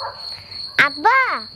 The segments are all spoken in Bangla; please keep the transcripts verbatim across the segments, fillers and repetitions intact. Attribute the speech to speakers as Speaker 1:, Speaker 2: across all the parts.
Speaker 1: আব্বা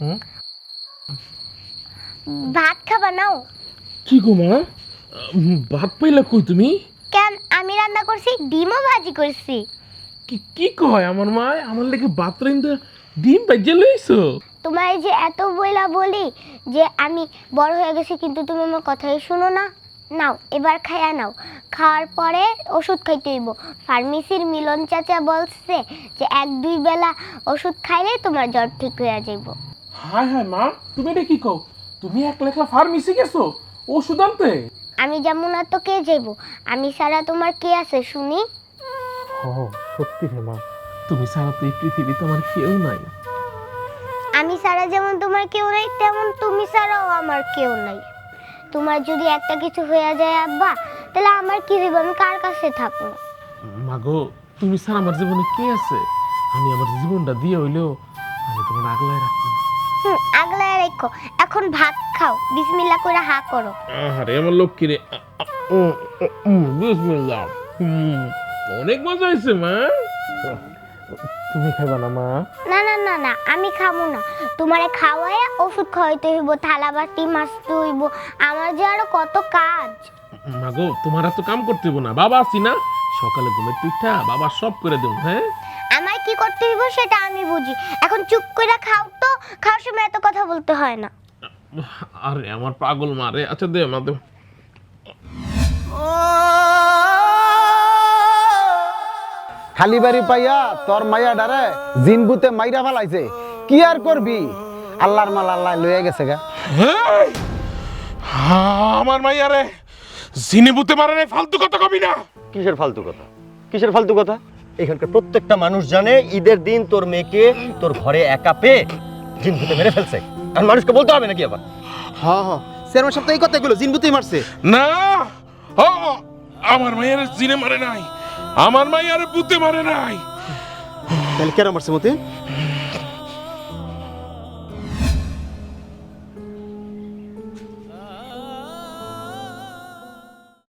Speaker 1: ভাত খাবা নাও।
Speaker 2: কি গো মা, ভাত পাইলা কই তুমি?
Speaker 1: কেন, আমি রান্না করছি, ডিমও ভাজি করছি।
Speaker 2: কি কি কয় আমার মা? আমার লেগে ভাত রাইন্দা ডিম ভাইজা লইছো?
Speaker 1: তোমার এই যে এত বইলা বলি যে আমি বড় হয়ে গেছি, কিন্তু তুমি আমার কথাই শুনো না। নাও এবার খাইয়া নাও, খাওয়ার পরে ওষুধ খাইতে হইব। ফার্মেসির মিলন চাচা বলছে যে এক দুই বেলা ওষুধ খাইলে তোমার জ্বর ঠিক হয়ে যাইব।
Speaker 2: হায় হায় মা, তুমি এটা কি কও? তুমি একলা একলা ফার্মেসি গেছো ওষুধ আনতে?
Speaker 1: আমি যেমন না তো কে যাইব? আমি ছাড়া তোমার কে আছে শুনি?
Speaker 2: ও সত্যি রে মা, তুমি ছাড়া তো এই পৃথিবীতে আমার কেউ নাই।
Speaker 1: আমি ছাড়া যেমন তোমার কেউ নাই, তেমন তুমি ছাড়াও আমার কেউ নাই। তোমার যদি একটা কিছু হয়ে যায় আব্বা, তাহলে আমার কি হইব? আমি কার কাছে থাকবো?
Speaker 2: মাগো, তুমি ছাড়া আমার জীবনে কে আছে? আমি আমার জীবনটা দিয়ে হইলেও আমি তোমার আগলায় রাখবো।
Speaker 1: হুম, আগলায় রেখো। এখন ভাত খাও, বিসমিল্লাহ করে হা করো।
Speaker 2: আরে আমার লক্ষ্মী রে, বিসমিল্লাহ। হুম, অনেক মজা হয়েছে মা। তুমি খাইবা না মা?
Speaker 1: না না না না, আমি খাবো না। তোমারে খাওয়াইয়া ওষুধ খাওয়াইতে হইব, থালা বাটি মাজতে হইব, আমার যে আরো কত কাজ।
Speaker 2: মাগো, তোমার এত কাম করতে হইব না, বাবা আছি না। সকালে ঘুমের পিঠা বাবা সব করে দেব। হ্যাঁ,
Speaker 1: আমার কি করতে হইব সেটা আমি বুঝি। এখন চুপ করে খাও তো, খাওয়ার সময় এত কথা বলতে হয় না।
Speaker 2: আরে আমার পাগল মা রে। আচ্ছা দে মা, দে।
Speaker 3: খালি বাড়ি পাইয়া তোর মাইয়া ডারে জিনবুতে মাইরা ফেলাইছে, কি আর করবি? আল্লাহর মাল আল্লাহ লয়ে গেছে গা।
Speaker 2: আমার মাইয়া রে জিনে বুতে মারে রে, ফালতু কথা কবি না।
Speaker 4: কিসের ফালতু কথা? কিসের ফালতু কথা? এখানকার প্রত্যেকটা মানুষ জানে ঈদের দিন তোর মেয়েকে তোর ঘরে একা পেয়ে জিন ভূতে মেরে ফেলছে। আর মানুষকে বলতে হবে নাকি আবার?
Speaker 3: হ্যাঁ হ্যাঁ, চেয়ারম্যান সাহেব তো এই কথাগুলো জিনবুতেই মারছে।
Speaker 2: না, ও আমার মাইয়া রে জিনে মারে নাই, আমার মাইয়া রে বুতে মারে নাই।
Speaker 3: তাহলে কেন মারছে মতে?